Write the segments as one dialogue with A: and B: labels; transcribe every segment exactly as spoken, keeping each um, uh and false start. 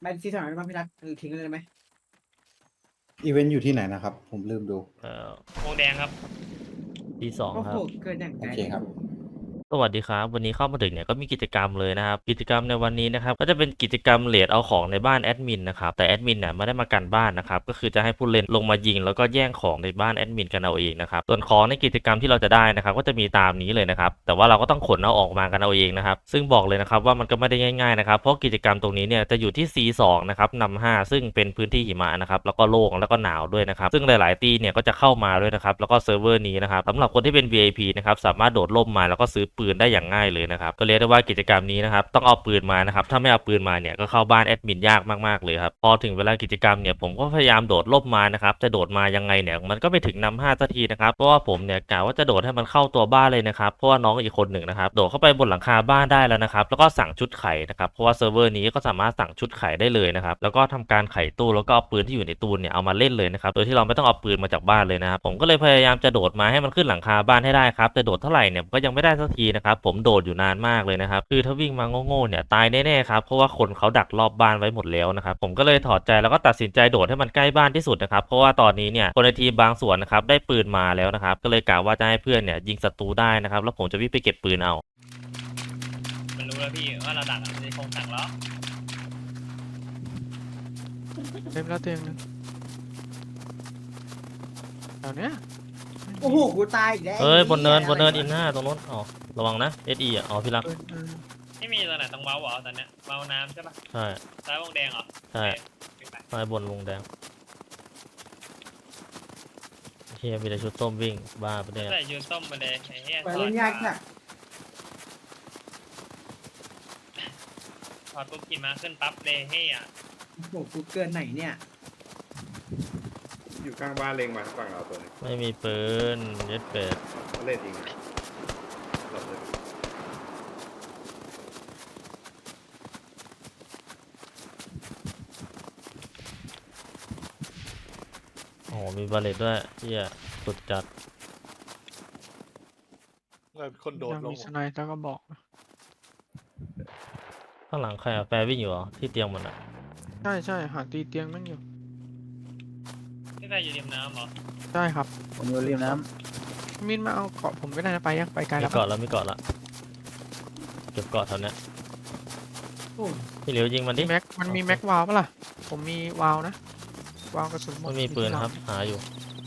A: ไปซีซั่นไหนบ้างพี่รักทิ้งเลยไหม
B: อีเวนต์อยู่ที่ไหนนะครับผมลืมดู
C: เอ่อ
D: วงแดงครับ
C: ทีสอง
A: โอ้โห
C: ครับ
A: เกินอย่างไกล
B: โอเคครับ
C: สวัสดีครับวันนี้เข้ามาถึงเนี่ยก็มีกิจกรรมเลยนะครับกิจกรรมในวันนี้นะครับก็จะเป็นกิจกรรมเลดเอาของในบ้านแอดมินนะครับแต่แอดมินเนี่ยไม่ได้มากันบ้านนะครับก็คือจะให้ผู้เล่นลงมายิงแล้วก็แย่งของในบ้านแอดมินกันเอาเองนะครับส่วนของในกิจกรรมที่เราจะได้นะครับก็จะมีตามนี้เลยนะครับแต่ว่าเราก็ต้องขนเอาออกมากันเอาเองนะครับซึ่งบอกเลยนะครับว่ามันก็ไม่ได้ง่ายๆนะครับเพราะกิจกรรมตรงนี้เนี่ยจะอยู่ที่ ซี สอง นะครับนำห้าซึ่งเป็นพื้นที่หิมะนะครับแล้วก็โล่งแล้วก็หนาวด้วยนะครับซึ่งหลายๆตีเนี่ยก็จะเข้ามาด้วยนะครับแล้วก็เซิร์ฟเวอร์นี้นะครับสำหรับคนที่เป็น วี ไอ พี นะครับสามารถโดดร่มมาแล้วก็ซื้อปืนได้อย่างง่ายเลยนะครับก็เรียกได้ว่ากิจกรรมนี้นะครับต้องเอาปืนมานะครับถ้าไม่เอาปืนมาเนี่ยก็เข้าบ้านแอดมินยากมากๆเลยครับพอถึงเวลากิจกรรมเนี่ยผมก็พยายามโดดร่มมานะครับจะโดดมายังไงเนี่ยมันก็ไม่ถึงนำห้าสักทีนะครับเพราะว่าผมเนี่ยกะว่าจะโดดให้มันเข้าตัวบ้านเลยนะครับเพราะว่าน้องอีกคนหนึ่งนะครับโดดเข้าไปบนหลังคาบ้านได้แล้วนะครับแล้วก็สั่งชุดไข่นะครับเพราะว่าเซิร์ฟเวอร์นี้ก็สามารถสั่งชุดไข่ได้เลยนะครับแล้วก็ทำการไขตู้แล้วก็เอาปืนที่อยู่ในตู้เนี่ยเอามาเล่นเลยนะครับโดยที่เราไม่ต้องเอาปืนมาจากบ้านเลยนะครับผมก็เลยพยายามจะโดดมาให้มันขึ้นหลังคาบ้านให้ได้ครับแต่โดดเท่าไหร่เนี่ยก็ยังไม่ได้สักทีนะครับผมโดดอยู่นานมากเลยนะครับคือถ้าวิ่งมาโง่ๆเนี่ยตายแน่ๆครับเพราะว่าคนเขาดักรอบบ้านไว้หมดแล้วนะครับผมก็เลยถอดใจแล้วก็ตัดสินใจโดดให้มันใกล้บ้านที่สุดนะครับเพราะว่าตอนนี้เนี่ยคนในทีมบางส่วนนะครับได้ปืนมาแล้วนะครับก็เลยกะว่าจะให้เพื่อนเนี่ยยิงศัตรูได้นะครับแล้วผมจะวิ่งไปเก็บปืนเอา
D: มันรู้แล้วพี่ว่าเราดักมันจะคงสั่งล้อ
E: เต็มแล้วเต็มแล้วแถวเนี้ย
A: โอ้โหกูตายอีกแล้ว
C: เอ้ยบนเนินบนเนินอินหน้าตรงนู้นอ๋อระวังนะเอสอีอ่ะอ๋อพี่รัก
E: เออเออ
D: ไม่มีตัวไหนต้องเว้าเหรอตอนเนี้ยเว้าน้ำใช่ปะ
C: ใช่
D: ซ้ายวงแดงเหรอ
C: ใช่
D: โอเคไป
C: ซ้ายบนวงแดงเฮียมีแต่ชุดส้มวิ่งบ้าไปะเนี่ย
D: ใส่ยูส้มมาเลยไอ้เหี้ย
A: ไปเล่นยากจัด
D: ถอดปุ๊บขี่ม้าขึ้นปั๊บเลยเฮีย
A: โอ้โหกูเกินไหนเนี่ย
F: อยู่ข้างบ้านเล็งมาฝั่งเราตัวนี้
C: ไม่มีปืนเย็ดเป็ด
F: เขาเล่นจริงนะหลบเลย
C: โอ้โหมีบาเลตด้วยเฮียสุดจัด
G: คนโดด
E: ยัง
G: ลง
E: มีสไนด์แล้วก็บอกนะ
C: ข้างหลังใครอะแฟร์วิ่งอยู่เหรอที่เตียงมันอะ
E: ใช่ใช่หาตีเตียงนั่งอยู่
D: ที่ใส่อยู่ริมน้ำเหรอ
E: ใช่ครับ
H: ผมอยู่ริมน้
E: มินมาเอาเกาะผมก็ได้นะไปยังไปไกล
C: มี
E: แล้ว
C: เกาะแล้วมีเกาะละเก็บเกาะแถวเนี้ย
A: โอ้
C: พี่เหลียวยิงมันดิ
E: มีแม็กมันมีแม็กวาล์วปะล่ะผมมีวาล์วนะวาล์วกระสุนหมด
C: มันมีปืน
E: ที่
C: ครับหาอยู่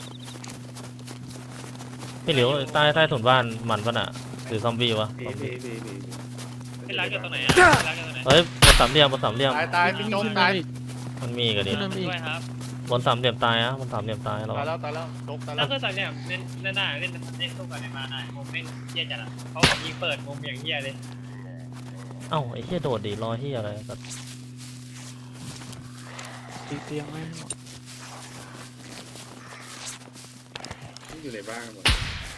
C: พี่เหลียวใต้ใต้ถุนบ้านมันปะน่ะหรือซอมบี้วะ
F: พี่พี่พี่พี่
D: พี่รักอยู่ตรงไหนอ่ะพี่รักอยู่ตรงไหน
C: เฮ้ยบนสามเหลี่ยมบนสามเหลี่ยม
G: ตายตายพี่โจ๊กตาย
C: มันมีกันดิ
E: ขึ้นมาอีก
D: ด้วยครับ
C: บนสามเหลี่ยมตายอะบนสามเหลี่ยมตายเรา
G: ตายแล้วตายแล้วโจ๊กตาย
D: แล้
G: แล้ว ว
D: คือตอนเนี้ยเล่นเล่นได้เล่นเล่นสู้กันในมาได้ผมเล่นเหี้ยจัดอ่ะเขาบอกยิงเปิดมุมอย่างเหี้ยเลย
C: เอ้าไอ้เหี้ยโดดดิรอเหี้ยอะไรสัตว์
E: ตีเตียงไม่ให้หมด
F: ที่อยู่ในบ้านกันหมด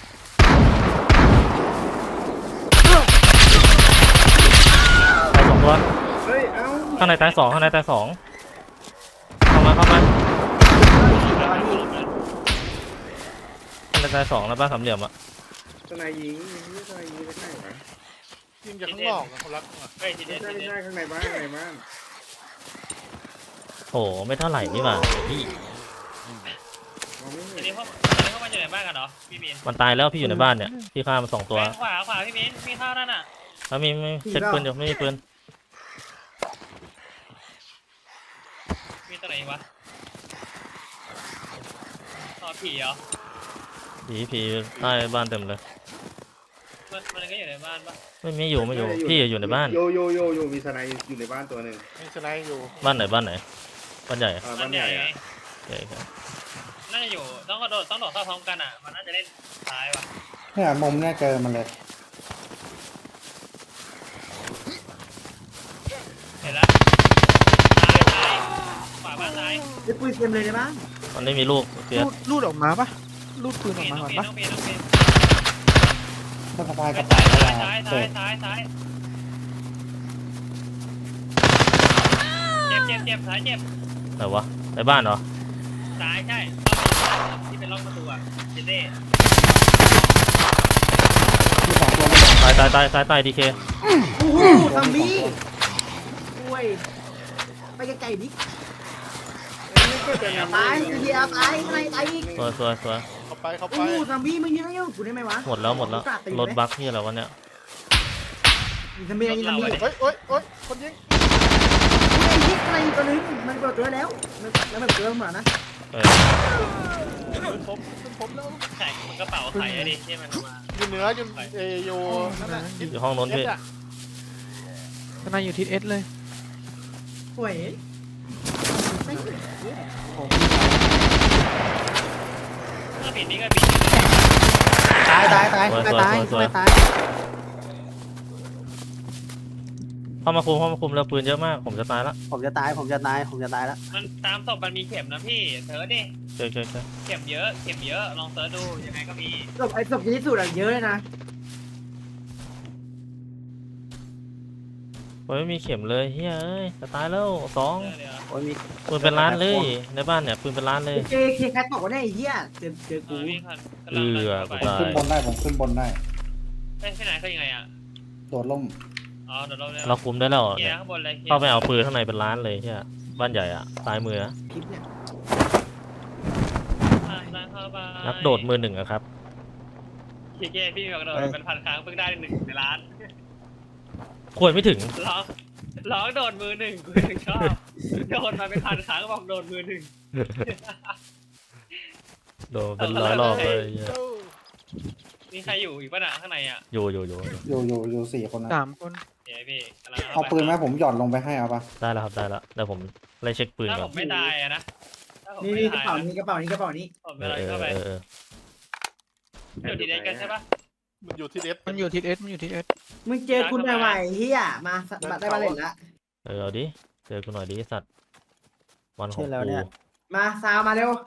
C: ตายสองตัว
F: เฮ้ยเอ้า
C: ข้างในตายสองข้างในตายสองเข้ามาเข้ามาข้างในตายสองแล้วบ้านสามเหลี่ยมอะ
F: ทนายยิงไม่ทนายยิงไม่ใช่เหรอ
G: ยิงจากข้างนอกอะคนรักอะ
D: เฮ้ยทีเด็
F: ไม่
D: ด
F: ใช่
D: ที
F: ไม่
D: เด็ด
F: ใช่ข้างในบ้านข้างในบ้าน
C: โอ้ไม่เท่าไหร่นี่หว่าพี่
F: มองไม่
D: ที
F: เห็น
D: นี้พวกทีนี้พวกมันอยู่ในบ้านกันเหรอพี่มิน
C: มันตายแล้วพี่อยู่ในบ้านเนี่ยพี่ฆ่ามันสองตัว
D: ขวาขวาพี่มินมีข้าวนั่นอ่ะ
C: แล้วมีไม่เช็คปืนอยู่ไม่มีปืน
D: มีตัวไหนอีกวะต่อผีเหรอ
C: ผีผีใต้บ้านเต็มเลย
D: มันมันก็อยู่ในบ้านปะ
C: ไม่มีอยู่ไม่อยู่พี่อยู่ในบ้าน
F: โยโยโยโยมีทนายอยู่ในบ้านตัวหนึ่ง
G: มีสไนด์อยู่
C: บ้านไหนบ้านไหนบ้านใหญ่
F: อ่า
D: บ้า
F: บ้าน น
D: ให
F: ให
D: ญ่
F: ญ่
D: ไง
F: อะ
C: โอเคครับ
D: น่าจะอยู่ต้องกระโดดต้องโดดเข้าพร้อมกันอ่ะมันน่าจะเล่นซ้ายว่ะ
B: เนี่ยมุมเนี่ยเจอมันเลย
D: เห็นแล้วซ้ายซ้ายขวาบ้านซ้าย
A: ไอ้ปืนเต็มเลยในบ้าน
C: มันไม่มีลูกเสีย
E: ลูดลูดออกมาปะลูดปืนอ
D: ปี
E: อก
D: น
E: มา
D: ต้
E: ก่
D: อ
E: อง น
D: ปีน
E: ปะ
D: ต้องปีนต้องปีน
B: ก็สบายก
D: ซ้า
B: ระ
D: ย
B: เป๋า
D: ซ้าย
B: เวลา
D: ซ้ายซ้า
B: เปิ
D: ย
B: ด
D: ซ้ายซ้ายเจ็บเจ็บเจ็บซ้ายเจ็บ
C: ไหนวะในบ้านเหรอ
D: ซ้ายใช่ที่เป็นร่องประตูอ่ะเจเต้
B: ที่สองตัวมัน
C: ตายตายตายตายตายดีเค
A: โอ้โหทำบี้โอ้ยไปไปไกลๆดิ
F: ก็จะนำ
A: ตายเฮียตายอะไรตายอีก
C: สวยสวยสวย
G: เข้าไปเข้าไป
A: โอ้โหซัมบี้มึงยังไงกูได้ไหมวะ
C: หมดแล้วหมดแล้วรถบัคที่อะไรวะเนี่ย
A: ยิงซัมบี้ยิงซัมบี้
G: เฮ้ยเฮ้ยเฮ้ยคนยิง
A: ไอ้ยิงอะไรตัวนึงมันเปิดตัวแล้วแล้วมันเปิดมานะ
C: เออ
G: ขึ้นผมขึ้นผมแล้ว
D: ไข่มันกระเป๋าไข่อะดิที่มันเอามา
G: อยู่เหนืออยู่เอออยู่นั่นแหละ
C: อยู่ห้องโน้นพี่
G: เอสอะ
E: ทนายอยู่ทิศเอสเลย
A: ห่วย
D: ถ้าปิดนี่ก็ปิด
B: ตายตายตาย
C: สวย
B: ตาย
C: สวย
B: ตาย
C: สวย
B: ตาย
C: เข้ามาคุมเข้ามาคุมแล้วปืนเยอะมากผมจะตายละ
B: ผมจะตายผมจะตายผมจะตายแล้ว
D: มันตามศพมันมีเข็มนะพี่เซิร์ชดิ
C: เจอเจอเจอ
D: เข็มเยอะเข็มเยอะลองเซิร์ชดูยังไงก็มี
A: ศพไอ้ศพที่สุดอะเยอะเลยนะ
C: ผมไม่มีเข็มเลยเฮ้ยเอ้ยจะตายแล้วสอง
D: เออเดี๋ยว
B: โอ้ยมี
C: ปืนเป็นล้านเลยในบ้านเนี่ยปืนเป็นล้านเลย
A: เจเคแคทบอกว่าได้ไอ้เหี้ยเจอเจอ
D: เอ
A: กู
D: อวิ่งผ่าน
C: เออ
D: ไป
C: กูตาย
B: ขึ้นบนได้ผมขึ้นบนได้
D: เอ้ยที่ไหนเขายังไงอ่ะ
B: โดดล่ม
D: อ๋อเดี๋ยวเราเนี่ย
C: เราคุมได้แล้ว
D: เคลีย
C: เนี่ย
D: ร์ข้างบนเลยคลียร์
C: เข้าไปเอาปืนข้างในเป็นล้านเลยเฮียบ้านใหญ่อะซ้ายมือนะ
A: คลิปเนี่ย
D: ผ่านทางเข้าไป
C: นักโดดมือหนึ่งอะครับ
D: เคลียร์เก้พี่บอกโดดเป็นพันครั้งเพิ่งได้หนึ่งในล้าน
C: ควรไม่ถึง
D: ร้องร้องโดดมือหนึ่งกูถึงชอบโดดมาเป็นพันครั้งบอกโดดมือหนึ่ง
C: โดนเป็นร้อยรอบเลยเหี้ย
D: มีใครอยู่อีกป่ะน่ะข้างในอ่ะ
C: อยู่อยู่อยู่อยู่
B: อยู่อยู่อยู่สี่คนนะ
E: สามคน
D: เดี๋ยวพี่กำลัง
B: เอาปืนไหมผมหย่อนลงไปให้เอาปะ
C: ได้แล้วครับได้แล้วเดี๋ยวผมไล่เช็คปืน
D: ถ้า
C: ก่
D: ผ
C: อน
D: มไม่ตายอะนะถ้าผม
A: นี่
D: ไม่
A: นี่กระ
D: ตาย
A: เป๋า
D: นะ
A: นี้กระเป๋านี้กระเป๋านี้
D: ผม
C: เอ
D: จะ
C: อ
D: อะไร
C: เออ
D: เข้าไป
C: เออเออ
D: อยู่ที่เด็กกันใช่ปะ
G: มันอยู่ที่เอส
E: มันอยู่ทิศเอสมันอยู่ทิศเอส
A: มึงเจอคุณใหม่ๆเฮียมาบัตรได้มาเล่นละ
C: เออเอาดิเจอกูหน่อยดิไอ้สัตว์วันของกู
A: มาซาวมาเร็ว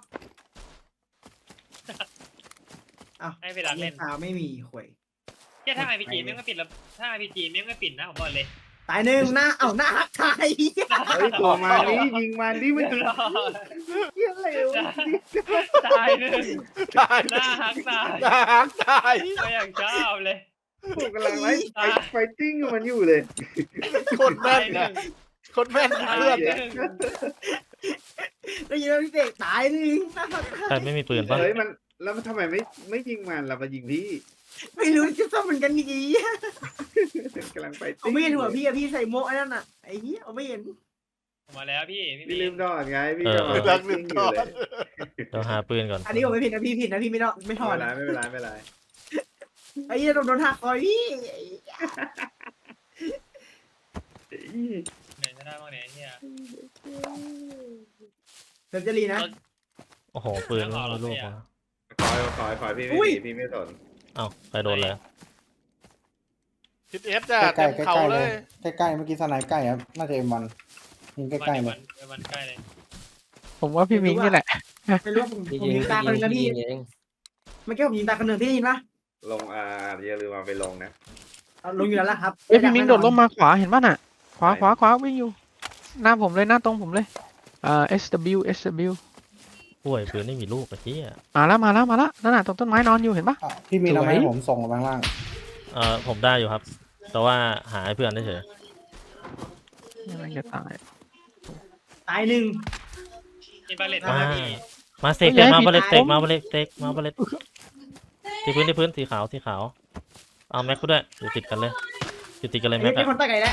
D: ให้ไปดักเล่น
A: ซาวไม่มีข่วย
D: แค่ถ้าไอพีจีไม่งไม่ปิดแล้วถ้าไอพีจีไม่งไม่ปิดนะผมบอกเลย
A: ตายหนึ่งหน้าเอ้าหน้าหักตาย
F: เฮ้ยตัวมาดิยิงมันดิมัน
D: รอ
F: เยี่ยเร็ว
D: ตายหนึ่ง
G: ตาย
D: หน้าหักตาย
G: ตายตาย
D: ก็อย่างชอบเลย
F: ผมกำลังไล่ไฟไฟติ้งกับมันอยู่เลย
G: คนแม่
D: ตาน ยห
G: นะ
D: นึ่ง
G: คนแม่น
D: ตาย
G: เพื่อน
D: ห
G: เนี่ย
D: นึ่ง
A: ได้ยินแล้วพี่เสกตายหนึ่งหน้าหัก
C: ใครไม่มีปืนปะ
F: เฮ้ยมันแล้วมันทำไมไม่ไม่ยิงมันเรามายิงพี่
A: ไม่รู้จะทำเหมือนกันดี
F: กำลังไฟ
A: ผมไม่เห็นหัวพี่อะพี่ใส่โม่ไอ้นั่นอะไอ้เหี้ยผมไม่เห็น
D: ผมมาแล้วพี่
F: พี่ลืมดอดไงพี่
C: เออ
F: กำลังไฟ
G: รักลื
F: ติ้
G: ม
F: ง
G: ต
F: อยู่
G: อน
F: เลย
C: เดี๋ยวหาปืนก่อน
A: อันนี้ผมไม่ผิดนะพี่ผิดนะพี่ไม่ต้องไม่ถ
F: ไม่
A: อ
F: เป็น
A: ด
F: ไรไม่เป็นไรไม่เป็นไร
A: ไอ้เหี้ยโดนโดนหักคอยพี่
D: ไหนจะได้บ้างเนี่ยเฮีย
A: เดี๋ยวจะรีนะ
C: โอ้โหปืนไม่รู้ลูกวะ
F: คอยคอยคอยพี่
A: อุ้
F: ไม่
A: ย
F: มีพี่ไม่สน
C: เอ้าใครโดนเลย
G: ทิศเอสจ้ะ
B: ใกล้
G: เต็ม
B: ๆใก
G: เขา
B: ล้ๆ
G: เล
B: เลย ยใกล้ๆเมื่อกี้สไนด์ใกล้ครับน่าจะเอ็มวันยิงใกล้ๆเลย
D: มันมันใกล้เลย
E: ผมว่าพี่มิงนี่แหละ
A: ไม่รู้ผมผมยิงตาคนหนึ่งนะพี่เมื่อกี้ผมยิงตาคนหนึ่งพี่ได้ยินปะ
F: ลงอ่าอย่าลืมเอาไปลงนะ
A: เอาลงอยู่แล้วล่ะครับ
E: เอ้ยพี่มิงโดดลงมาขวาเห็นป่ะน่ะ ขวาขวาขวาวิ่งอยู่ หน้าผมเลยหน้าตรงผมเลยอ่า เอส ดับเบิลยู เอส ดับเบิลยู
C: ป่วยปืนไม่มีลูกไอ้เหี้ย
E: มาแล้วมาแล้วมาแล้วนั่นน่ะตรงต้นไม้นอนอยู่เห็นปะ
B: อ่ะพี่มีทำไม
E: สวย
B: ให้ผมส่งลงไปข้างล่าง
C: เออผมได้อยู่ครับ แต่ว่าหาให้เพื่อนได้เฉย
E: ยังไงจะตาย
A: ตายหนึ่ง
D: มีบาเลต
C: มา
D: มาพี่
C: มาเสก
E: เฮ้
C: เลย
E: ย
C: มา
E: พี่
C: บาเลต
E: ตาย
C: เสกมาบาเลตเสกมาบาเลตที่พื้นที่พื้นสีขาวสีขาวเอาแม็กกูด้วยอยู่ติดกันเลยอยู่ติดกันเลย
A: ไอ้
C: แม็ก
A: เหี้ย
C: อะ
A: คนตะไก่แล้ว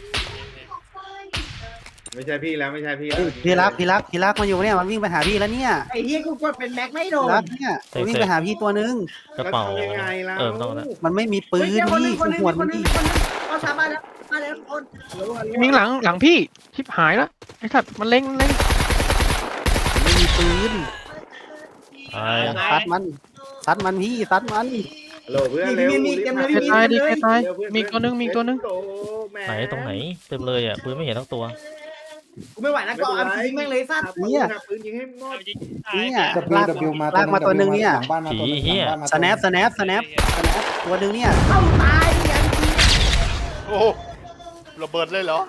F: ไม่ใช่พี่แล้วไม่ใช่พี่แล้ว
H: พี่รักพี่รักพี่รักมาอยู่เนี่ยมันวิ่งไปหาพี่แล้วเนี่ย
A: ไอ้เหี้ยกูกดเป็นแม็กไม่โด
H: พี่
A: น
H: รักเนี่ยมันวิ่งไปหาพี่ตัวนึง
C: กระเป๋า
F: แล้วทำยังไงล่ะ
C: เออไม่ต้องแล้ว
H: มันไม่มีปืน
A: เฮ้ยคนหนึ่
H: พี่
A: งคนหนึ่ง
H: หัว
A: ค
H: มัน น
A: หนึ่ง
H: พี่
A: คนหนึ่งเอาชามาแล้วมาแล้วคน
E: พี่มิงหลังหลังพี่ชิบหายแล้วไอ้สัตว์มันเล็งเล็ง
H: ไม่มีปืน
C: ตาย
H: ซัดมันซัดมันพี่ซัดมัน
F: โหลเพื่อนเร็ว
E: แค่ตายดิแค่ตายมีตัวนึงมีตัวนึง
C: ไหนตรงไหนเต็มเลยอ่ะปืนไม่เห็นทั้งตัว
A: กูไม่ไหวแล้วก็เอายิงแม่งเลยสัตว์
F: เนี่ยปืนยิงให้หมด
D: เอายิงตาย
H: เนี่ย
B: ดับเบิลดับเบิลมาหลังบ้านมาตัวหนึงหลังบ้านมา
H: สแนปสแนปสแนปสแนปตัวนึงเนี่ย
A: เข้าตายอย่างนี้
G: โอ้โหระเบิดเลยเหรอ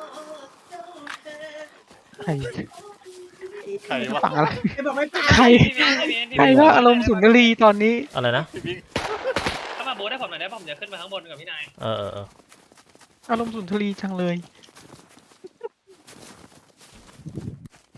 E: ใคร
G: ใครวะ
E: ฝั่งอะไร
A: ไอ้บอกไม่ตาย
E: ใคร
D: พี่เมย์พี่เมย์พี่
E: ใคร
D: เมย์
E: ก็อารมณ์สุนทรีตอนนี้
C: อะไรนะ
G: พี่บิ๊ก
D: ถ้ามาโบสได้ผมหน่อยได้ผมจะขึ้นมาข้างบนกับพี่นาย
C: เออเออเออ
E: อารมณ์สุนทรีจังเลย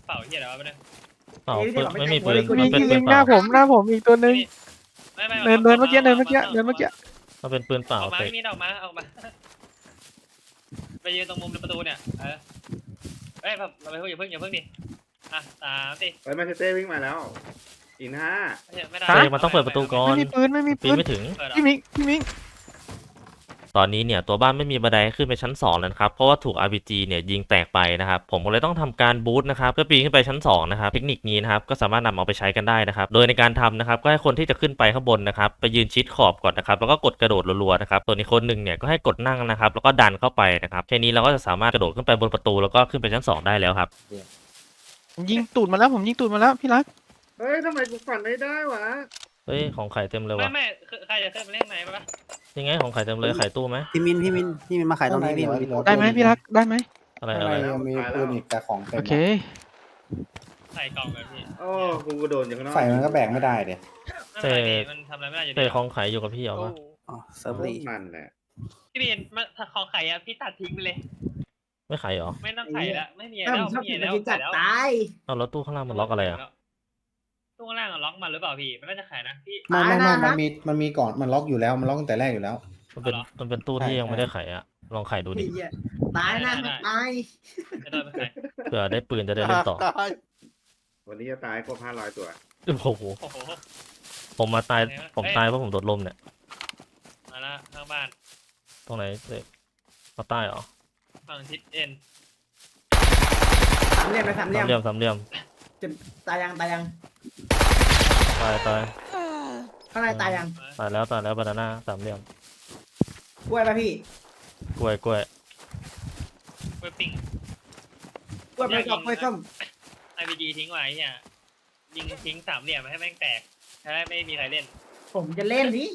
D: เป่าเฮียอะไรวะไม่ได้
C: เปล่าปืนไม่มีปืน
E: มี
C: มันเป็น
E: มี
C: ปืน
E: ห
C: เป
E: น้า
C: ล่า
E: ผมหน้าผมอีกตัวหนึ่ง
D: ไม่ไม่
E: เดินเดินเมื่อกี้เดินเมื่อกี้เดินเมื่อกี้
C: มันเป็นปืนเปล่า
D: ออกมา
C: เตะ
D: ไม่มีออกมาออกมาไปยืนตรงมุมประตูเนี่ยเออเอ้ยแบบเราไปอย่าเพิ่งอย่าเพิ่งดิอ่ะสามสิ
F: เฮ้ยมาเชเต้วิ่งมาแล้วอินห้า
D: ไม่ได้
C: เตะมันต้องเปิดประตูก่อน
E: ไม่มีปืนไม่มี
C: ปี
E: ปื
C: น
E: น
C: ไม่ถึง
D: เปิดเหรอ
E: พี่มิงพี่มิง
C: ตอนนี้เนี่ยตัวบ้านไม่มีบันไดขึ้นไปชั้นสองแล้วนะครับเพราะว่าถูก อาร์ พี จี เนี่ยยิงแตกไปนะครับผมก็เลยต้องทำการบูทนะครับเพื่อปีนขึ้นไปชั้นสองนะครับเทคนิคนี้นะครับก็สามารถนำเอาไปใช้กันได้นะครับโดยในการทำนะครับก็ให้คนที่จะขึ้นไปข้างบนนะครับไปยืนชิดขอบก่อนนะครับแล้วก็กดกระโดดรัวๆนะครับส่วนอีกคนหนึ่งเนี่ยก็ให้กดนั่งนะครับแล้วก็ดันเข้าไปนะครับแค่นี้เราก็จะสามารถกระโดดขึ้นไปบนประตูแล้วก็ขึ้นไปชั้นสองได้แล้วครับ
E: ผมยิงตูดมาแล้วผมยิงตูดมาแล้วพี่รัก
F: เฮ้ยทำไมกูฝันไม่ได้วะ
C: เฮ้ยของไข่เต็มเลย
D: ไม่
C: วะ
D: ไม่คือใครจะขึ้นมาเล่นไหนปะ
C: ยังไงของไข่เต็มเลยไข่ตู้ไหม
H: พี่มินพี่มินพี่มินมาขายตรงนี้พี่มันมี
E: ได้ไหมพี่รักได้ไหม
C: อะไร
B: ข้าง
C: อะไร
B: ในยังมีปืนอีกแต่ของเต็
E: โอ
B: ม
E: เค
D: ใส่กล่องเลยพี่
F: โอ้กูกระโดดอย่างนั้น
B: ไฟมันก็แบกไม่ได้เดี๋ย
D: ไม่เป็นไรพี่มันทำอะไรไม่ได้อยู่ดี
C: เตะของไข่อยู่กับพี่เหรอวะ
H: อ๋อเซิร์ฟรี
F: มันแหละ
D: พี่บีนมาของไข่อะพี่ตัดทิ้งไปเลย
C: ไม่ไข่เหรอ
D: ไม่ต้องไข่ละไม่มี
A: ถ้า
D: แล้
A: ผ
D: ว
A: มชอบ
D: ไม่
A: กิ
D: มี
A: น
D: แล้ว
A: กินจัด
D: แล้ว
A: ตาย
C: เอาแล้วตู้ข้างล่างมันล็อกอะไรอ่ะ
D: ตู้ข้างล่างอะล็อกมาหรือเปล่าพี่มันน่าจะขายนะพี่
B: ไม่ไม่ไม่
A: อ่านะ
B: มันมีมันมีก่อนมันล็อกอยู่แล้วมันล็อกตั้งแต่แรกอยู่แล้ว
C: มันเป็น
D: เหรอ
C: มันเป็นตู้ที่ยังไม่ได้ไขอ่ะลองไขดูดิ
A: ไอ้เหี้ยตายนะตาย
D: จะโดนไปขาย
C: เผื่อได้ปืนจะได้เล่นต่อ
G: ตาย
F: วันนี้จะตายครบห้าร้อยตัว
C: โอ้โห
D: โอ้โห
C: ผมมาตาย
D: ไหนวะ
C: ผม
D: เอ้ย
C: ตายเพราะผมโดดลมเนี่ย
D: มาละข้างบ้าน
C: ตรงไหนเด็กมาใต้เหรอ
D: ฝั่งทิศเอ็น
A: สามเหลี่ยมไปสามเหลี่
C: สาย ม
A: ม
C: เหลี่ยมสามเหลี่ยม
A: ตายยังตายยัง
C: ตายตาย
A: ข้างในตายยัง
C: ตายแล้วตายแล้วบานาน่าสามเหลี่ยม
A: กล้วยป่ะพี่
C: กล้วยกล้วย
D: เว็บปิ้ง
A: กล้วยไปกับกล้วยส้ม
D: ไอพีจีทิ้งไว้เนี่ยยิงทิ้งสามเหลี่ยมให้แม่งแตกจะได้ไม่มีใครเล่น
A: ผมจะเล่นนี่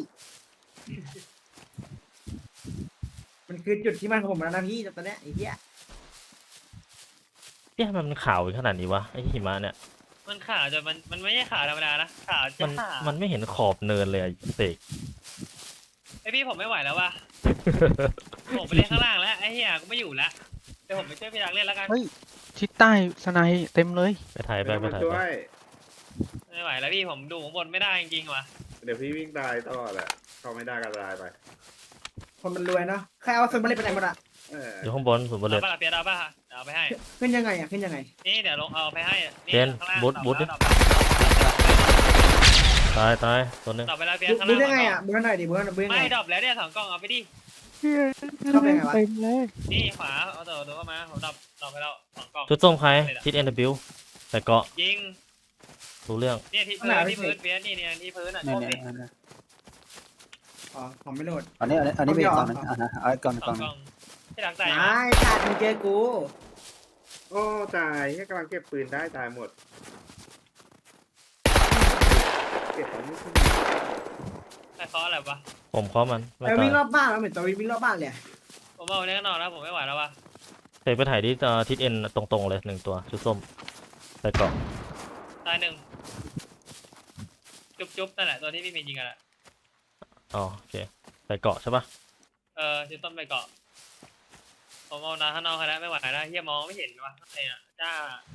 A: มันคือจุดที่มันของผมแล้วนะพี่ตอนเนี้ยไอ้เหี้ย
C: เอ๊ะมันขาวขนาดนี้วะไอ้หิมะเนี่ย
D: มันขาวจนมันมันไม่ใช่ขาวธรรมดานะขาว
C: มั
D: จะ
C: น
D: ขาว
C: มันไม่เห็นขอบเนินเลยอะเสก
D: ไอพี่ผมไม่ไหวแล้วว่ะผมไปเล่นข้างล่างแล้วไอ้เหี้ยกูไม่อยู่แล้วเดี๋ยวผมไปช่วยพี่รักเล่นแล้วกัน
E: ชิดใต้สไนด์เต็มเลย
C: ไปถ่ายไปไป
F: มา
C: ถ่าย
F: ช่
C: ไป
F: วย
D: ไม่ไหวแล้วพี่ผมดูข้างบนไม่ได้จริงๆว่ะ
F: เดี๋ยวพี่วิ่งตายต่อแหละเข้าไม่ได้ก็ตายไป
A: คนมันรวยเนาะใครเอาส่วนมาเล่นไปไหนหมดอะ
F: เออ
C: อยู่ข้างบนสุดบนเล
D: เอา
C: ย
D: ป่ะล่ะเปียดเอาป่ะเอาไปให้
A: ขึ้นยังไงอะขึ้นยังไง
D: นี่เดี๋ยวลงเอาไปให้นี่
C: เจน
D: ข้างล่าง
C: บูทบูทดิ
D: ดอก
C: ตายตายตัวหนึง
D: ดอกไปแล้วเปีย
A: ดู
D: ข้าง
A: ดู
D: ล่าง
A: ได้ไงอะดูหน่อยดิดูหน่อยดูยังไง
D: ไม่ดอกแล้วเนี่ยสองกล่องเอาไปดิ
A: เข้าไปไงวะ
E: เต็มเลย
D: นี่ขวาเอาตัวตัวเข้ามาผมดอกดอกไปแล้วสองกล่อง
C: ชุดส้มใครทิศเอ็นบิวใส่เกาะ
D: ยิง
C: รู้เรื่อง
D: เนี่ยที่พื้นที่พื้นเปียนี่เนี่ยที่พื้นอ่ะ
H: เนี่ย
D: โชค
H: เนี่ย
D: ดิ
H: เนี่ย
A: อ๋อผมไม่โหลด
H: อันนี้อันนี้อันนี้เป็นอีกกล่องหนึง
A: เอา
H: อ่ะนะเอาอีกกล่องหนึ่ง
D: ส
H: ก
D: อ
H: ล่อง งห
D: ก
H: นึ่
D: ล่
H: ง
D: องที่หลังใจ
A: ตายขาดมึงเจอกู
F: โอ้ตายแค่กำลังเก็บปืนได้ตายหมดเก็บของไม่ขึ้น
D: ใครเคาะอะไรวะ
C: ผมเคาะมันไม่
A: ไอ้
C: ตา
A: วิ่
C: ย
A: งรอบบ้านมันเหมือนตัววิ่งรอบบ้านเลย
D: ผมเอาเนี่ยนอนแล้วผมไม่ไหวแล้ววะ
C: เสกไปถ่ายที่เอ่อทิศเอ็นตรงๆเลยหนึ่งตัวชุดส้มใส่เกาะ
D: ตายหนึ่งจุ๊บจุ๊บนั่นแหละตัวที่พี่มียิงกันแหละ
C: อ๋อโอเคใส่เกาะใช่ปะ
D: เออจุดต้นไปเกาะผมเอานาข้างนอกแล้วไม่ไหวแล้วเฮียมองไม่เห็นวะข้างในอ่ะจ้า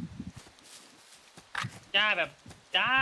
D: จ้าแบบจ้า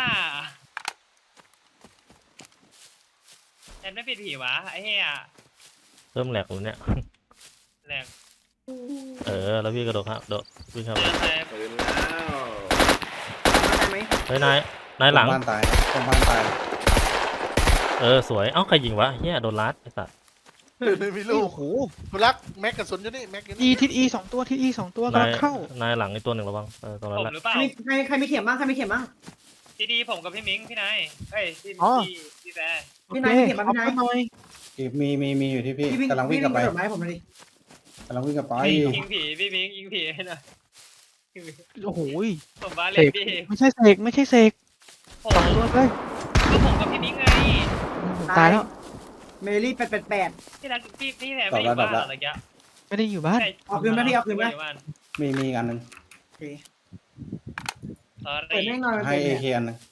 D: แอนไม่ปิดผีวะไอ้เฮีย
C: เริ่มแหลกแล้วเนี่ย
D: แรง
C: เออแล้วพี่กระโดดครับโดดวิ่งเข้า
D: เจ
C: ไป
D: อใคร
F: ปืนแล้ว
A: ได้ไหม
C: เฮ้ยนายนายหลัง
B: ตรงบ้านตายตรงบ้านตาย
C: เออสวยเอ้าใครยิงวะเฮียโดนลัดไอ้สัส
G: ไม่มีลูก
E: โอ้โห
G: คุณรักแม็กกระสุนอยู่นี่แม็กอยู่
E: อี
G: นี่
E: ทิศอีสองตัวทิศอีสองตัวกำ
C: นา
E: ลั
C: ย
E: งเข้า
C: นายหลังไอ้ตัวหนึ่งระวังเออตรงนั้
D: ผ
C: น
D: ม
C: แหละ
D: หรือเปล่า
A: ใครใครใครมีเข็มบ้างใครมีเข็มบ้าง
D: ดีดีผมกับพี่มิงพี่นายเอ้ยพี่
E: อ๋อ
D: พี่พี่แฟร์
A: พี่นายมีเข็มบ้างพี่นาย
E: เอาไปหน่อย
B: มีมีมีอยู่ที่พี่
A: พี่วิ่ง
B: กำลังวิ่งกลับไป
A: พี่วิ่งกระโดดไม้ผมเลยดิ
B: กำลังวิ่งกลับไป
D: ยิงผีพี่มิงยิงผีให้หน่อย
E: โอ้โห
D: ผมบ้า
E: เส
D: เล่น
E: ก
D: พี่
E: ไม่ใช่เสกไม่ใช่เสก
D: ผม
E: สองตัวเลย
D: ก็ผมกับพี่มิงไง
E: ตายแล้ว
A: เมลี่แปดแปดแปด
D: พี่รักพี่พี่แฟร์ไม่อยู่บ้านเหรอตะกี้
E: ไม่ได้อยู่บ้าน
A: เอาคืนไหมพี่เอาคืนไหม
D: ยู่บ้าน
B: มีมีอีกอันหนึง
A: โอเค
D: ตอน
A: เปิดแน่นอน
B: ให้
A: เปิด
B: เอ
A: เนี่ย
B: เคอันหนึง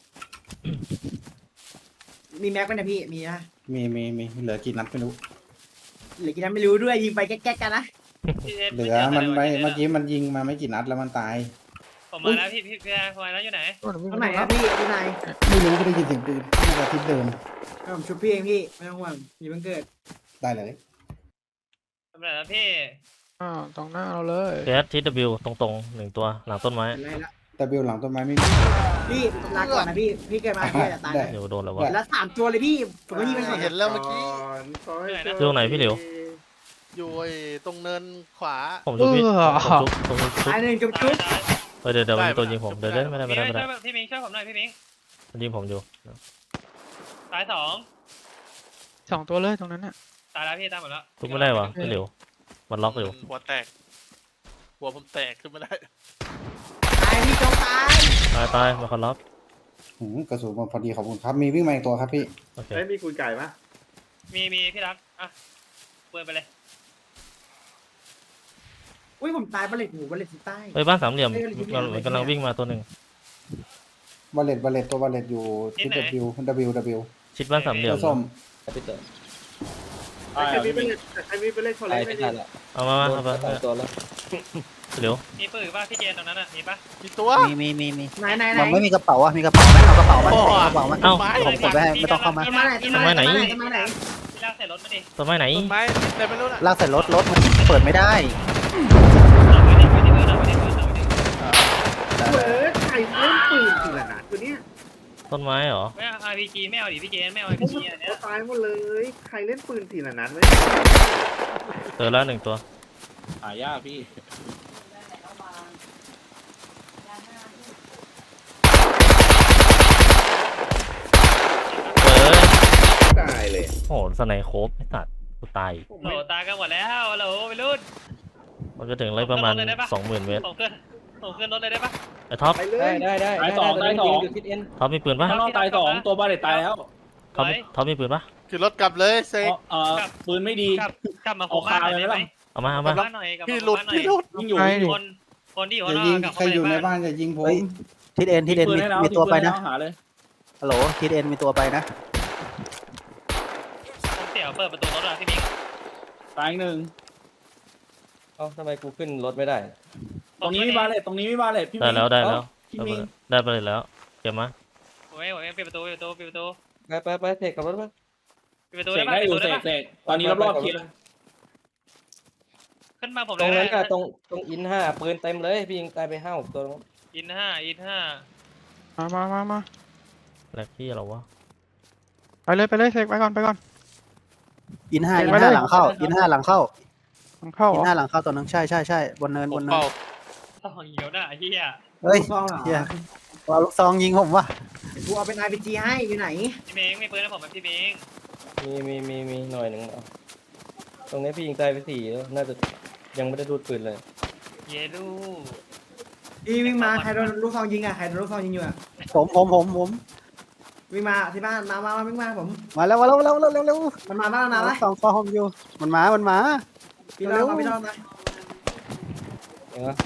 A: มีแม็กไหมนะพี่มีนะ
B: มีมีมีเหลือกี่นัดไม่รู้
A: หรือกี่นัดไม่รู้ด้วยยิงไปแก๊กๆกันนะ
D: พี่
B: เหลือมันไปเมื่อกี้มันยิงมาไม่กี่นัดแล้วมันตาย
D: ผผมมาแล้วพี่พี่พี่ผมมาแล้วอยู่ไหน
E: โน่นวิ่ง
A: ตร
E: ไป
A: งไหน
E: นู่น
A: ค
E: แล้
A: รับ
E: ว
A: พี่อยู่ไหน
B: ไม่รู้ไม่ได้ยินเสียงปืนน่าจะทิศเดิม
A: ให้ผมชุบพี่เองพี่ไม่ต้องห่วงอย่าเพิ่งเกิด
B: ได้เลย
D: ทำไรแล้วพี่
E: อ้าวตรงหน้าเราเลย
C: เอสที ดับเบิลยู ตรงๆหนึ่งตัวหลังต้นไม้
A: เป็นไรละ
B: แต่เบลหลังต้นไม้ไม่มี
A: พี่ลาก่อนนะพี่พี่เกิดมาพี่จะตาย
B: ได้
C: เดี๋ยวโดนแล้ววะ
A: เห็นแล้วสามตัวเลยพี่ผมก็ยิงไปก่อน
G: เห็นแล้วเมื่อกี้
F: ขอให้โชค
C: อยู่ตรงไหนพี่เหลียว
G: อยู่ไอ้ตรงเนินขวา
C: ผมชุบพี่
E: เออ
C: ผมชุบผมชุบ
A: ตายหนึ่งจุ๊บจุ๊บ
D: ตาย
C: เออเดี๋ยวเดี๋ยวมันมีตัว
G: ได้
C: ยิงผม
G: ได้
C: เดี๋ยวเล่นไม่ได้
D: พี่
C: ไม่ได้ไม่ได้
D: ช่วยพี่มิงช่วยผมหน่อยพี่มิง
C: มันยิงผมอยู่
D: ตายสอง
E: สองตัวเลยตรงนั้นน่ะ
D: ตายแล้วพี่ตายหมดแล้ว
C: ชุบไม่ได้วะพี่เหลียวมันล็อกอยู่
G: หัวแตก หัวผมแตกขึ้นมาได้
A: ตายพี่โจ๊กตาย
C: ตายตายมาคอนล็อก
B: หืมกระสุนมันพอดีขอบคุณครับ มีวิ่งมาอีกตัวครับพี่
C: โอเค
F: เฮ้ยมีกุยไก่ปะ
D: มีมีพี่รักอ่ะเปิดไปเลย
A: อุ้ยผมตายบัลเลตหมูบัลเลตที่ใต้
C: เฮ้ยบ้านสามเหลี่ยมมันกำลังวิ่งมาตัวหนึ่ง
B: บาเลตบาเลตตัวบาเลตอยู่ทิศ W W W
C: ชิดบ้านสามเหลี่ยม
B: ตัวส้ม
F: ใครมีเป็นใครมีเป็นเล่นคอลเลกไม่ดี
C: เอามามาเอาไปเหลียว
D: มีปืนป่ะพี่เจนตรงนั้นอ่ะมีป่ะ
G: กี่ตัว
H: มีมีมีมี
A: ไหนไหนไหน
H: มันไม่มีกระเป๋าอ่ะมีกระเป๋าไหมเอากระเป๋าไหม
G: โอ้
H: เอากระเป๋าไหม
C: เอ้า
G: ไม้
H: ผมกดไว้ให้ไม่ต้องเข้ามา
A: ต้นไม้ไหนต้นไม้ไหนต้นไม้ไหน
D: พี่รักใส่รถมาดิ
C: ต้นไม้ไหน
G: ต้นไม้แต่ไม่รู้นะ
H: ลากใส่รถรถมันเปิดไม่ได้
D: เอาไว้ดิไว้ดิไว้ดิไว้ดิไว้ดิไว้ดิ
F: เปิดใครเล่นปืนทีละนัดตัวเนี้ย
C: ต้นไม้เหรอ
D: ไม่เอา อาร์ พี จี ไม่เอาดิพี่เจนไม่เอา อาร์ พี จี อันเนี้ย
F: ตายหมดเลย ใครเล่นปืนทีละนัดไหม
C: เจอแล้วหนึ่งตัว
I: หายากพี่
C: เออ
F: ตายเลย
C: โอ้โหสไนโคบไอ้สัตว์กูตาย
D: โหลตายกันหมดแล้วโหลไปรุ่น
C: มันจะถึงเลยประมาณ
D: ลงเลยได้ปะ
C: สองหมื่นเมตร
D: ผมขึ้นผมขึ้นรถเลยได้ปะ
C: ไอ้ท็อป
F: ไปเลย
I: ได้ได้ตายสองตายสอง
C: ท็อปมีปืนปะ
I: ข้างนอกตายสองตัวบาเลตตายแล้ว
C: ท็อปมีท็อปมีปืนปะ
G: คือรถกลับเลยเซก
I: เอ่อปืนไม่ดี
D: กลับกลับมาคุมบ้านหน่อยได้ไหม
C: เอามาเอา
D: กลั
C: มา
D: บบ้านหน่อยกลับ
G: พี่
D: มา
G: หลุ
D: คุม
G: ด
D: บ้านหน่อย
G: พี่หลุด
I: ยิงอยู่
E: ใช่
D: คนคนที่อยู่
B: อ
D: ข้าง
B: ย่าน
D: อ
B: ยิง
D: กกลับ
B: ใคร
D: เข้า
B: อยู่
D: ไป
B: ใน
D: ในบ้า
B: บ้าน นอย่ายิงผม
H: เฮ้ย ทิศเอ็นทิศเอ็น
I: ปืน
H: มี
I: ให้แล้ว
H: มีตัวไป
I: ปื
H: นะ
I: ให้แล้วหาเลย
H: ฮัลโหลทิศเอ็นมีตัวไปนะ
D: ผมเสี่ยวเปิดประตูรถอ่ะพี่มิง
I: ตายอีกหนึ่ง
J: เอ้าทำไมกูขึ้นรถไม่ได้
I: ตรงนี้มีบาเลตตรงนี้มีบาเลตพี่
C: ได้แล้วได้แล้ว
I: พี่
C: ได้
I: มิง
C: ได้ไปเลยแล้วเก็บมา
D: ผมไม่ผมไม่ปิดประตูปิดประตูปิดประตู
J: ไปไปไปเทคกับรถมั้ย
D: ปิดประตู
I: เส
D: ได้
I: ก
D: ปะ
I: ได้
D: ปิด
I: อ
D: ประตู
I: ยู่
D: ได้
I: เส
D: ปะ
I: กเสกตอนนี้รอบๆเคลียร์
D: ขึ้นมาผม
J: ตรง
D: เลย
J: นั้นก็ตรงตรงอินห้าปืนเต็มเลยพี่ยิงตายไปห้าหกตัว
D: อินห้าอินห้า
E: มามามามา
C: แลกที่เราวะ
E: ไปเลยไปเลยเสกไปก่อนไปก่อน
H: อินห้า
E: เห็
H: อิ
E: น
H: น
E: ไหม
H: ห้า
E: เลย
H: หลังเข้าอินห้าหลังเข้า
E: มันเข้าเหร
H: อิน
E: อ
H: ห้าหลังเข้าตัวนึงใช่ใช่ใช่บนเนิน
G: ผ
H: บ
G: ม
H: นเนิน
G: เป่า
D: ต้องเหี่ยวหน้าไอ้เหี้ย
H: เฮ้ย
A: ซองเหรอ
H: เฮียเอาลูกซองยิงผมว่ะ
A: กูเอาเป็น อาร์ พี จี ให้อยู่ไหน
D: พี่มิงไม่ปืนนะผมเป็นพี่มิง
J: มีมีมีมีหน่อยหนึ่งเอาตรงนี้พี่ยิงตายไปสี่แล้วน่าจะยังไม่ได้ดูดปืนเลย
D: เยลู
A: พี่วิ่งมาใครโดนลูกซองยิงอ่ะใครโดนลูกซองยิงอยู่อ่ะ
H: ผมผมผมผม
A: วิ่งมาที่บ้านมามามาวิ่งมาผม
H: มาแล้วมาแล้วมาแล้วเร็วเร็วเร็ว
A: มันมาบ้านมาไหม
H: ลูกซองคอผมอยู่มันมามันมา
A: พี่รอดมาพี่รอดมา
J: เห็นไหม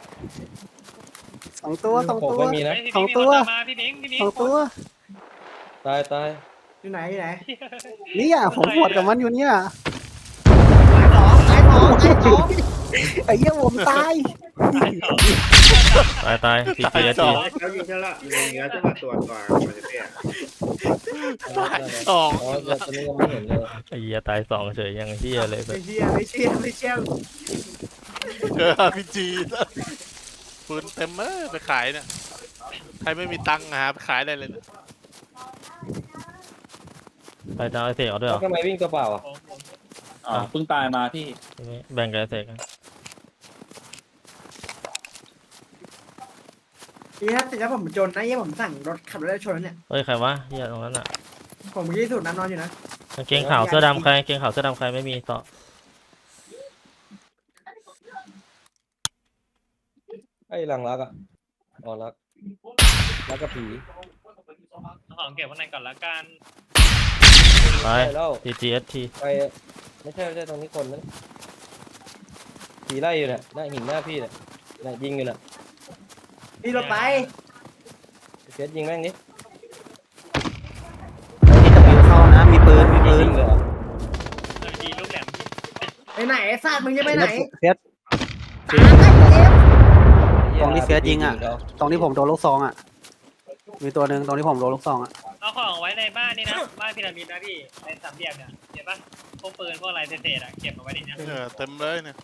H: สองตัวสอง
J: ผม
H: ตัว
J: ไม่มีนะ
D: พี่
H: สอง
D: มิงมี
H: ตั
D: คว นตามมาพี่มิงพี่มิง
H: สองตัว
J: ตายตาย
A: อยู่ไหนอยู่ไหน
H: เนี่ยผมปวดกับมันอยู่เนี่ย
A: สองตายสองตายสอง
H: ไอ้เหี้ยผมตาย
C: ตายตายพีจี
G: ตายส
C: จี
G: อง
F: แล้วยิงแค่ละยิงแล้วจะมาตัวตัวมันจะเตี้ย
G: ตายสอง
J: อ๋อแต่ตอนนี้ยังไม่เห็นเลย
C: ไอ้เหี้ยตายสองเฉยยังเหี้ยเลย
A: ไม่เชื่อไม่เชื่อไม่เชื่อ
G: เจอ อาร์ พี จี ปืนเต็มเออไปขายเนี่ย ใครไม่มีตังค์หาไปขายได้เลยนะ
C: ไปจะเอาไอเสกเอาด้วยเหรอ
J: ทำไมวิ่งตัวเปล่าอ่ะ
D: ผมผม
I: อ่าเพิ่งตายมาพี่
C: แบ่งกันไอเสกกัน
A: พี่ครับแต่ถ้าผมจนนะเยี่ยผมสั่งรถขับรถได้ชนเนี่ย
C: เฮ้ยใครวะเหี้ยตรงนั้นอ่ะ
A: ผมยี่สุดน้ำนอนอยู่นะ
C: กางเกงขาวเสื้อดำใครกางเกงขาวเสื้อดำใครไม่มีต่อ
J: ไอ้หลังรักอ่ะอ๋อรักรักกับผี
D: เอาของเก็บข้างในก่อนละกัน
C: ไป
J: ใช่แล้ว
C: ทีจีเอสที
J: ไปไม่ใช่ไม่ใช่ตรงนี้คนนั้นผีไล่อยู่เนี่ยหน้าหินหน้าพี่เนี่ยเนี่ยยิงอยู่น่ะ
A: พี่รถไป
J: เฟสยิงแม่งดิ
H: ที่จะมีเข้านะมีปืนมีปืน
J: ยิงเลยเหรอ
D: เออยิงลูกแหลม
A: ไปไหนไอ้สัตว์มึงจะไปไหน
H: เฟียส
A: ตามไปเร็ว
J: ไอ้เหี้ย
H: ตรงที่เฟียสยิงอ่ะ
J: เดี๋ยว
H: ตรงที่ผมโดนลูกซองอ่ะ มีตัวหนึ่งตรงที่ผมโดนลูกซองอ่ะ
D: เอาของไว้ในบ้านนี่นะบ้านพีระมิดนะพี่ในสามเหลี่ยมเนี่ยเห็นปะพวกปืนพวกอะไรเศษๆอะเก็บเอาไว้ดิเนี่ย
G: เออเต็มเลยเนี่ย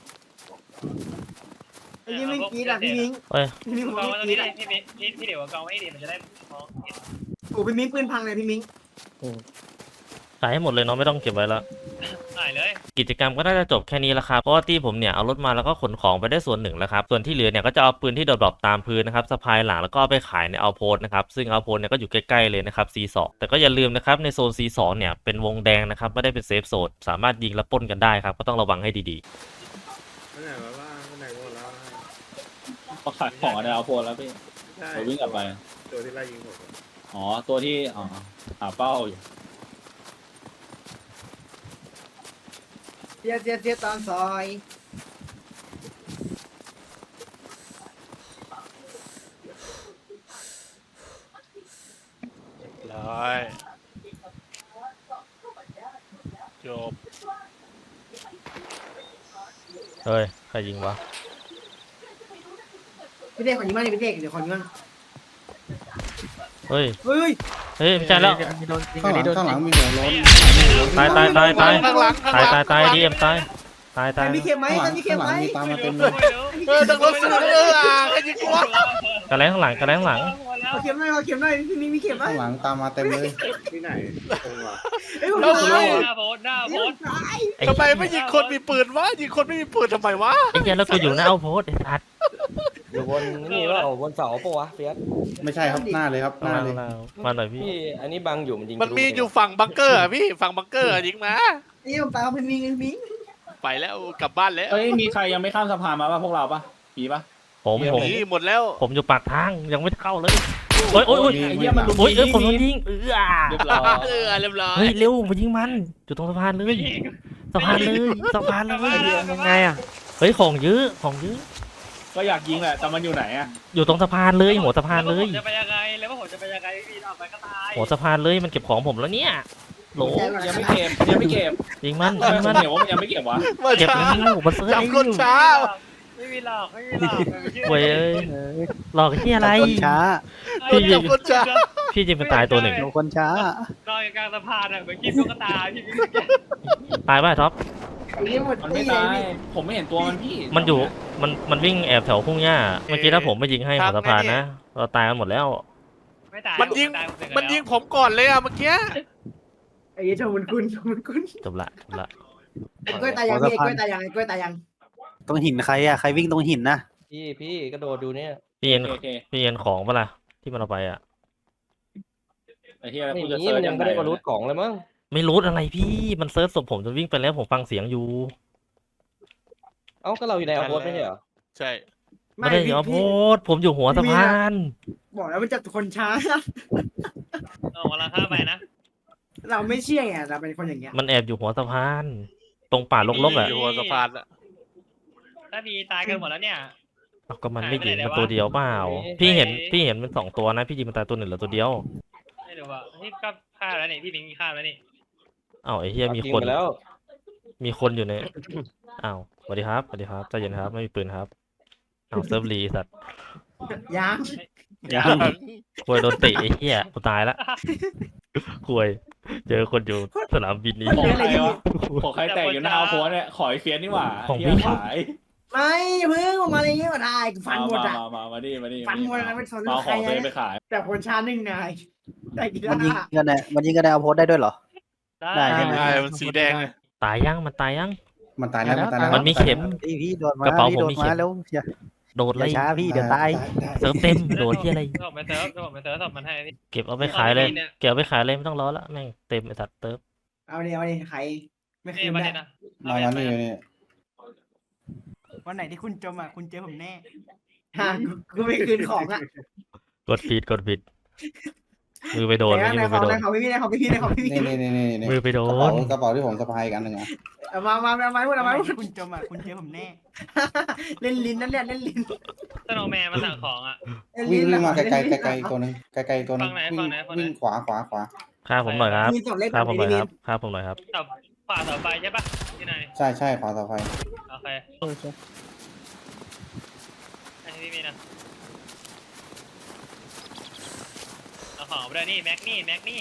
A: ไอ้ยี่ไม่กรีดอ่ะพี่มิง
C: เฮ้ย
A: พี่มิงผม
D: กอง
A: ไม่
D: ไว้ตรง
A: กรี
D: นี้
A: ด
D: เลยพี่มิ้นพี่พี่เดี๋ยวกองไว้ให้ดีมันจะได้มองเห็น
A: โอ้พี่มิงปืนพังเลยพี่มิง
C: ขายให้หมดเลยเนาะไม่ต้องเก็บไว้แล้ว
D: หายเลย
C: กิจกรรมก็น่าจะจบแค่นี้แล้วครับเพราะว่าที่ผมเนี่ยเอารถมาแล้วก็ขนของไปได้ส่วนหนึ่งแล้วครับส่วนที่เหลือเนี่ยก็จะเอาปืนที่โดดดรอปตามพื้นนะครับสะพายหลังแล้วก็เอาไปขายในเอาโพสนะครับซึ่งเอาโพสเนี่ยก็อยู่ใกล้ๆเลยนะครับ ซี สอง แต่ก็อย่าลืมนะครับในโซน ซี สอง เนี่ยเป็นวงแดงนะครับไม่ได้เป็นเซฟโซนสามารถยิงและปล้นกันได้ครับก็ต้องระวังให้ดี
F: ไปไหนวะบ้างไปไหนหมดแล้ว
I: มาขายของอะไรเอาโพลแล้วพี่
F: ใช่
I: เราวิ่งกลับไป
F: ตัวที่ไล่ยิงผมอะ
I: อ๋อ ตัวที่อ๋อหาเป้าอยู่
A: เสียเสียเสียตอนซอย
G: ร้อย จบ
C: ๆเฮ้ยใครยิงวะ
A: พี่เด็กขอยิงบ้างดิพี่เด็กเดี๋ยวขอยิงบ้าง
C: เฮ้ย
A: เฮ้ย
C: เฮ้ยไม่ใช่แล้ว
E: อันนี้โดนยิง
B: ข้าง
E: อัน
B: หลัง
E: นี้โดน
B: ข้างหลัง
E: ยิง
B: มีหัวโล้น
C: ตายตายตายตาย
G: ข้างหลังข้างห
C: ตาย
G: ลัง
C: ตายตายดีเอ็มตายตาย
A: ใคร
C: ตาย
A: มีเข็มไหม
B: ข้างห
A: ใค
B: ลั
A: รง มีเข็
B: ข้าม งห
A: ไหม
B: ลังมีตามมาเต็มเลย
G: เออตั้งรถเสือเอออ่ะใครยิงกูวะ
C: กระแลงข้างหลังกระแลงข้างหลัง
A: ขอเข็มหน่อยขอเข็มหน่อยพี่มิงมีเข็มไหม
B: ข้างหลังตามมาเต็มเลย
F: ที่ไหนตรงวะ
A: เฮ้ยผม
G: แล้ว
A: ตาย
D: หน้าโพสหน้าโพส
A: ตาย
C: ไอ้
G: ทำไมไม่ยิงคนมีปืนวะยิงคนไม่มีปืนทำไมวะ
C: ไอ้เหี้ยแล้วกูอยู่หน้าเอาโพสไอ้สัตว์
J: อยู่บนนี่ว่าบนเสาปะวะเฟียส
B: ไม่ใช่ครับหน้าเลยครับห
C: มา
B: น้าเลย
C: มาหน่อยพี่
J: พี่อันนี้บังอยู่มันยิง
G: มันมี
J: ทะลุ
G: อยู่ฝั่งบังเกอร์อะพี่ฝั่งบังเกอร์อะยิงมา
A: นี่ผมตายเพราะพี่มิงพี่มิง
G: ไปแล้วกลับบ้านแล้ว
I: เอ้ย มีใครยังไม่ข้ามสะพานมาป่ะพวกเราป่ะมีป่ะ
C: ผมผม
G: หนีหมดแล้ว
C: ผมอยู่ปากทางยังไม่เข้าเลยโอ้ยโอ้ยโอ้ย
I: ไอ้เหี้ยมันลุม
C: โอ้ยเอ้ย
I: ยิง
C: ผมโดนยิงเออ
I: เรียบร้อย
G: เออเรียบร้อย
C: เฮ้ยเร็วมายิงมันอยู่ตรงสะพานเลยสะพานเลยสะพานเลย
E: ยังไงอ่ะ
C: เฮ้ยของเยอะของเยอะ
I: ก็อยากยิงแหละ แต่มันอยู่ไหนอะ
C: อยู่ตรงสะพานเลยหัวสะพานเลย
D: จะไปยังไงแล้วว่าผมจะไปยังไงพี่ออกไปก็ตาย
C: หัวสะพานเลยมันเก็บของผมแล้วเนี่ยโหล
I: ยังไม่เก็บยังไม่เก็บ
C: ยิงมัน
I: เอ
C: ยิ
I: อง
C: มัน
I: เดี๋ยวว่ามันยังไม่เก็บวะ
G: มา
C: เก็บ
G: ช้า
C: แล้วมันเซิร์ฟ
G: จับ
C: ไอ้
G: คน
C: อยู่
G: ช้า
D: ไม่มีหลอกไม่มีหลอก
C: เว้ยหลอกที่อะไร
H: คนช้า
C: พี่ยิ
G: จั
C: ง
G: บคนช้า
C: พี่ยิงไปตายตัวหนึ่ง
H: โดนคนช้า
D: นอนกลางสะพานอ่ะเหมือนกินตุ๊กตาพี่พี่
C: ตายป่ะท็อป
A: ไอ้นี่หมด
I: มัน
A: ตี
I: ไม่
A: เลย
I: ตาย
A: พี่
I: ผมไม่เห็นตัวมันพี่
C: มันอยู่มันมันวิ่งแอบแถวพุ่งหญ้าเมื่อกี้ถ้าผมไม่ยิงให้หัวสะพานนะเราตายกันหมดแล้ว
D: ไม่ตาย
G: มันยิงมันยิงผมก่อนเลยอะเมื่อกี้
A: ไอ้ยี่ชมมันคุณชมมันคุณ
C: จบละจบละ
A: ไอ้กล้วยตายยังพี่ไอ้กล้วยตายยังไอ้กล้วยตายยัง
H: ตรงหินใครอ่ะ ใครวิ่งตรงหินนะ
J: พี่พี่กระโดดดูเนี่ย
C: พี่เอ็น
I: โอเค
C: พี่เอ็นของปะล่ะที่มันเอาไปอ่ะ
I: ไอ้เหี้ย
J: ไม่
I: กูจะ
J: มี
I: เซิร์
J: มั
I: ช
J: นยั
I: ยัง ง
J: ไม่
I: ไง
J: ได้มารูดของเลยมั้ง
C: ไม่รู้อะไรพี่มันเซิร์ชศพผมจนวิ่งไปแล้วผมฟังเสียงอยู่
J: เอ้าก็เราอยู่ในเอาโพสไม่ใช่เหรอ
G: ใช่
C: ไม่ได้เอาโพสต์ผมอยู่หัวสะพาน
A: บอกแล้วมันจะคนช้า
D: ออกมาละข้าไปนะ
A: เราไม่เชื่อไงเราเป็นคนอย่างเงี้ย
C: มันแอบอยู่หัวสะพาน ตรงป่ารกๆอ่ะ
G: อยู่หัวสะพานอะ
D: ถ้ามีตายกันหมดแล้วเนี่ย
C: เอ้าก็มันไม่ยิง
D: หายไปไหน
C: มัน
D: วะ
C: ตัวเดียวเปล่าพี่เห็นพี่เห็นมันสองตัวนะพี่ยิงมันตายตัวหนึ่งเหลือตัวเดียว
D: ไม่รู้ว่าที่ก็ฆ่าแล้วนี่พี่มิงฆ่าแล้วนี่
C: อ้าวไอ้เฮียมี
J: ยิง
C: คน
J: ไปแล้ว
C: มีคนอยู่ใน อ้าวสวัสดีครับสวัสดีครับใจเย็นครับไม่มีปืนครับอ้าวเซิร์ฟรีสัตว์
A: ยัง
I: ยัง
C: ควยโดนเตะไอ้เหี้ยกูตายละควยเจอคนอยู่สนามบินนี้
I: ของใครวะของใครแตกอยู่หน้าเอาโพสเนี่ยขอไอ้เฟียสนี่หว่า
C: ของ
I: เหี้ย
C: พี่
I: ขาย
A: ไม่เพิ่งออกมาอะไรเงี้ยก็ได้ฟันหมด
I: มา
A: อ่ะ
I: มามามาดิมาดิ
A: ฟันหมดอะไรไม่สน
I: มาเอา
A: ใค
I: ข
A: ร
I: องตัวเองไป
A: นะ
I: ขาย
A: แต่คนช้าหนึ่งนายแต่กี
H: มันยิง
A: ฬา
H: กันเนี่ยมันยิงกันในเอาโพสได้ด้วยเหรอ
D: ได้
H: ได้
G: ใช่มันสีแดงเลย
C: ตายยังมันตายยัง
B: มันตายแล้วมันตายแล้ว
C: มันมีเข็ม
H: พี่พี่โดนมาก
C: ระเป๋า
H: พี่
C: ผม
H: โดน
C: มีเข็
H: มาม แล้วอย่า
C: โดด
H: อ
C: ไล่
H: ย่าช้าพี่เดี๋ยวตาย
B: ได้
C: เซิร์ฟเต็มโดดที่อะไร
D: ผมไปเซิร์ฟผมไปเซิร์ฟศพมันให้พี่
C: เก็บเอาไปขายเลยเก็บเอาไปขายเลยไม่ต้องรอละแม่งเต็มไอ้สัตว์เติร์ฟ
A: เอาดิเอาดิใครไม่คื
D: นี่
A: น
D: มา
A: ได้
D: เนี่ยนะ
B: มามานี่นี่
A: วันไหนที่คุณจมอ่ะคุณเจอผมแน่ฮะกูไม่คืนของอ่ะ
C: กดผิดกดผิดมือไปโดน
A: ไหน
C: นี่
A: ไหน
C: มือ
A: ข
C: ไป
A: อง
C: โด
A: ไหน
C: น
A: ของพี่ไหนของพี่ไหนของพี่
B: นี่นี่นี่นี่นี่
C: มือไปโด
B: กระเป๋าน กระเป๋าที่ผมสะพายอีกอันหนึ่งอ่ะ
A: เอามามาเอาไม้พูดเอาไม้พูดคุณจมอ่ะคุณเจอผมแน่เล่นลิ้นนั่นแหละเล่นลิ้น
D: สโนว์แมนมาสั่งของอ่ะ
B: วิ่งวิ่งมาไกลไกลไกลไกลตัวหนึงไกลไกลตัวหนึง
D: ฝั่งไหน
B: วิ่
D: ฝั่
B: ง
D: งไหนฝั่งไหน
B: วิ่งขวาขวาขวา
C: ฆ่าผมหน่อยครับ
A: มีสองเล่น
C: ฆ่าผมหน่อย
A: มี
C: ครับฆ่าผมหน่อยครับ
D: เสาขวาเสาไฟใช่ปะที่ไหน
B: ใช่ใช่ขวาต่อไป
D: โอเค
E: โอเค
D: อันนี้พี่มีนะอมด้วยนี่แม็กนี่แม็กนี่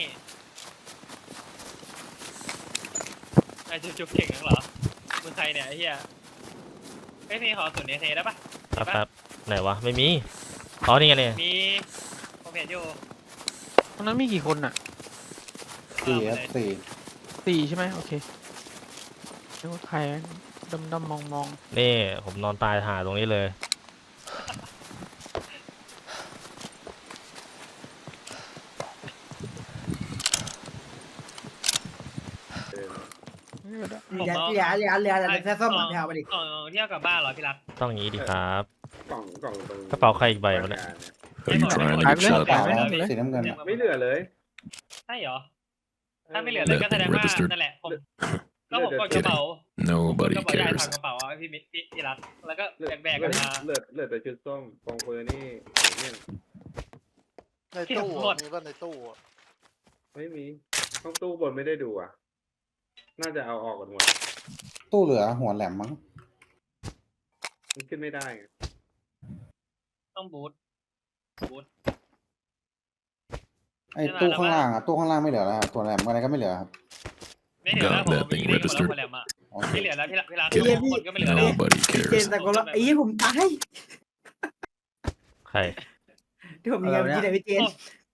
D: ไอ้จุ๊บๆเก่งนักเหรอมึงใครเนี่ยไอ้เหี้ยไอ้ยพี่ขอศูนย์เอเทได้ปะ
C: ครับครับไหนวะไม่มีอ๋อนี่ไงเนี่ย
D: มีผมเห็นอยู่
E: ตรงนั้นมีกี่คนอ่ะ
B: สี่ครับสี่
E: สี่ใช่ไหมโอเคนึกว่าใครดำดำมองมอง
C: นี่ผมนอนตายหาตรงนี้เลย
E: ๆนี่ก็ได้
A: อย่าอย่าอย่าอย่าอย่าแค่ซ่อมหลังแถวไปดิ
D: กล่องเที่ยวกลับบ้านเหรอพี่รัก
C: ต้องอย่างนี้ดีครับ
F: กล่องกล่องตรง
C: กระเป๋าใครอีกใบวะเนี่ย
D: Are you trying to
E: ขายไปเลย
B: เปล่า
E: ขายไป
B: ครับ
E: เลย
B: สีน้ำเงินอะ
F: ไม่เหลือเลย
D: ใช่เหรอถ้าไม่เหลือเลยก็แสดงว่านั่นแหละผมก็ผมกดกระเป๋า
I: Nobody
D: กระเป๋าใหญ่
I: cares.
D: ถอดกระเป๋าเอาไว้พี่มิพี่พี่รักแล้วก็
F: เหลือ
D: แบกๆกันมา
F: เหลือเหลือแต่ชุดส้มกองเฟอร์นี่เนี่ย
G: ในตู้อะมีป่ะในตู้อะ
F: ไม่มีห้องตู้บนไม่ได้ดูอ่ะ น่าจะเอาออกกันหมด
B: ตู้เหลือหัวแหลมมั้ง
F: มันขึ้นไม่ได้ไง
D: ต้องบูทบูท
B: ไอ้ตู้ข้างล่างอะตู้ข้างล่างไม่เหลือแล้วครับตัวแหลมอะไรก็ไม่เหลือครับ
D: ไม่เหลือแล้วผม
I: Got that
D: ยิ
I: thing
D: งได้หมดแล้ว
I: registered
D: คนแหลมอ่ะ
B: โอเค
D: ไม่เหลือแล้วพี่รักพี่รัก
I: Get
D: คนก็ไม่เหลือแล้ว
I: Nobody
A: เจ
I: cares.
A: นตะโกนไอ้ยี่ผมตาย
C: ใคร
A: ที่ผมยิงเมื่อกี้ไหนพี่เจน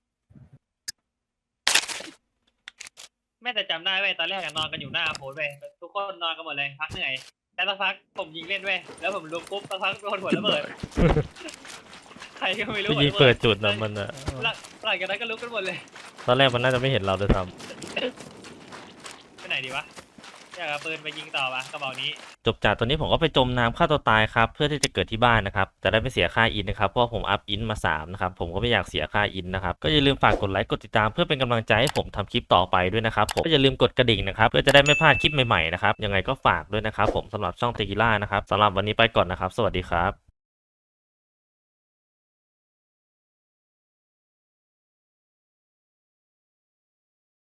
D: แม่แต่จำได้เว้ยตอนแรกอะนอนกันอยู่หน้าโพสเว้ยทุกคนนอนกันหมดเลยพักเหนื่อยแต่สักพักผมยิงเล่นเว้ยแล้วผมลุกปุ๊บสักพักโดนหัวระเบิดใครก็ไม่รู้
C: พี่ยิงเปิดจุดนะมันอะ
D: หลังหลังจากนั้นก็ลุกกันหมดเลย
C: ตอนแรกมันน่าจะไม่เห็นเราด้วยซ้
D: ไปไหนดีวะอยากเอาปืนไปยิงต่อปะกระบอกนี้
C: ำจบจากตัวนี้ผมก็ไปจมน้ำฆ่าตัวตายครับเพื่อที่จะเกิดที่บ้านนะครับจะได้ไม่เสียค่าอินนะครับเพราะว่าผมอัพอินมาสามนะครับผมก็ไม่อยากเสียค่าอินนะครับก็อย่าลืมฝากกดไลค์กดติดตามเพื่อเป็นกำลังใจให้ผมทำคลิปต่อไปด้วยนะครับผมก็อย่าลืมกดกระดิ่งนะครับเพื่อจะได้ไม่พลาดคลิปใหม่ๆนะครับยังไงก็ฝากด้วยนะครับผมสำหรับช่องเตกิล่านะครับสำหรับวันนี้ไปก่อนนะครับสวัสดีครับ